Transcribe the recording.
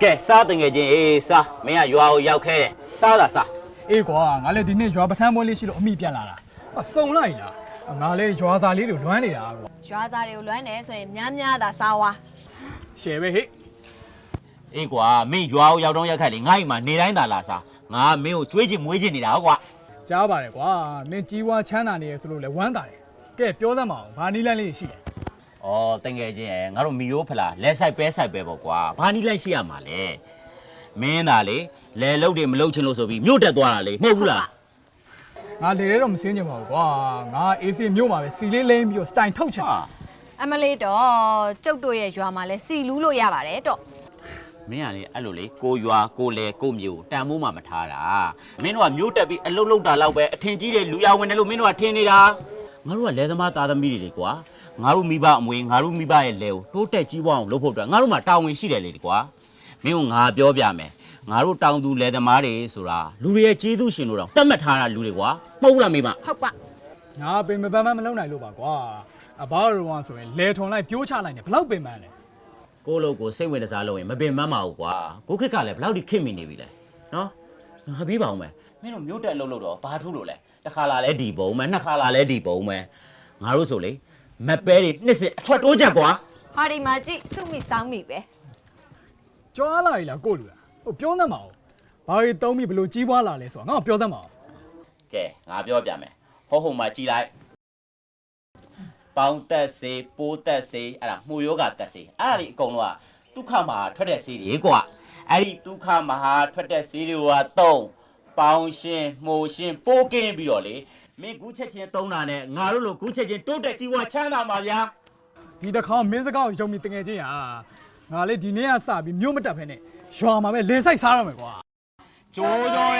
ကဲစားတင်ငယ်ချင်းအေးစားမင်းကရွာကိုရောက်ခဲ့တယ်စားတာစားအေးကွာငါလည်းဒီနေ့ရွာပထမ်းပွဲလေးရှိလို့အမိပြန်လာတာစုံလိုက်လားငါလည်းရွာစာလေးတွေလွမ်းနေတာကွာရွာစာတွေကိုလွမ်းတယ်ဆိုရင်များသာစားဝါရှယ်ပဲဟဲ့အေးကွာမင်းရွာကိုရောက်တော့ရောက်ခဲ့လေငါ့အိမ်မှာနေတိုင်းသာလာစားငါမင်းကိုကြွေးချင်မွေးချင်နေတာကွာကြားပါတယ်ကွာမင်းကြီးဝါချမ်းသာနေရဆိုလို့လည်းဝမ်းသာတယ်ကဲပြောသမ်းပါအောင်ဘာနီးလန်းလေးရှိလဲဩတင်ငယ်ချင်းရဲ့ငါတို့မီယိုးဖလားလဲဆိုင်ပဲပေါ့ကွာဘာနီးလိုက်ရှိရမှာလဲမင်းသာလေလဲလုတ်တွေမလုတ်ချင်လို့ဆိုပြီးမြို့တက်သွားတာလေမဟုတ်ဘူးလားငါလေတော့မစင်းချင်ပါဘူးကွာငါအေးစီမြို့မှာပဲစီလေးလိမ့်ပြီးတော့စတိုင်ထုတ်ချင်အမလေးတော့ကျုပ်တို့ရဲ့ရွာမှာလဲစီလူးလို့ရပါတယ်တော့မင်းကလေအဲ့လိုလေကိုရွာကိုလေကိုမျိုးတန်မိုးမှမထားတာမင်းတို့ကမြို့တက်ပြီးအလုတ်လုတ်တာလောက်ပဲအထင်ကြီးတဲ့လူရဝင်တယ်လို့မင်းတို့ကထင်နေတာငါတို့ကလဲသမားသားသမီးတွေလေကွာငါတို့မိဘအမွေငါတို့မိဘရဲ့လဲကိုတိုးတက်ကြီးပွားအောင်လုပ်ဖို့အတွက်ငါတို့မှာတာဝန်ရှိတယ်လေကွာမင်းကငါပြောပြမယ်ငါတို့တောင်သူလဲသမားတွေဆိုတာလူတွေရဲ့ကျေးဇူးရှင်တို့တော့တတ်မှတ်ထားတာလူတွေကွာမဟုတ်လားမိမဟုတ်ကငါပင်မပန်းမမလုံနိုင်လို့ပါကွာအဘာရောဆိုရင်လဲထုံလိုက်ပြိုးချလိုက်နေဘလောက်ပင်ပန်းလဲကိုလိုကိုစိတ်ဝင်တစားလို့ရင်မပင်မမအောင်ကွာကိုခက်ကလည်းဘလောက်ထိခင်မိနေပြီလဲနော်ငါပြီးပါအောင်မယ်မင်းတို့မြို့တက်အလုပ်လုပ်တော့ဘာထူးလို့လဲတစ်ခါလာလဲဒီပုံမယ်နှစ်ခါလာလဲဒီပုံမယ်ငါတို့ဆိုလေမက်ပဲတွေနှစ်စစ်အထွက်တိုးချက်ကွာဟာဒီမှာကြည့်စုမိစောင်းမိပဲကြွားလာပြီလားကိုလူလားဟိုပြောသမ်းပါဦးဘာတွေတုံးပြီးဘလို့ကြီးပွားလာလဲဆိုတာငါ့ကိုပြောသမ်းပါဦးကဲငါပြောပြမယ်ဟိုမှာကြည်လိုက်ပေါင်းတက်စေပိုးတက်စေအဲ့ဒါမှုယောဂတက်စေအဲ့ဒါဒီအကုန်လုံးကဒုက္ခမှာထွက်တဲ့ဆေးတွေကွာအဲ့ဒီဒုက္ခမှာထွက်တဲ့ဆေးတွေကပေါင်းရှင်မှုရှင်ပိုးကင်းပြီးတော့လေမင်းကူးချက်ချင်းတုံးတာနဲ့ငါတို့လိုကူးချက်ချင်းတိုးတက်ကြီးဝါချမ်းသာမှာဗျာဒီတစ်ခါမင်းစကားကိုယုံပြီးတငယ်ချင်းငါလေဒီနေ့ကစပြီးမြို့မတက်ဖ ೇನೆရွာမှာပဲလေဆိုင်စားရမယ်ကွာကြိုးကြော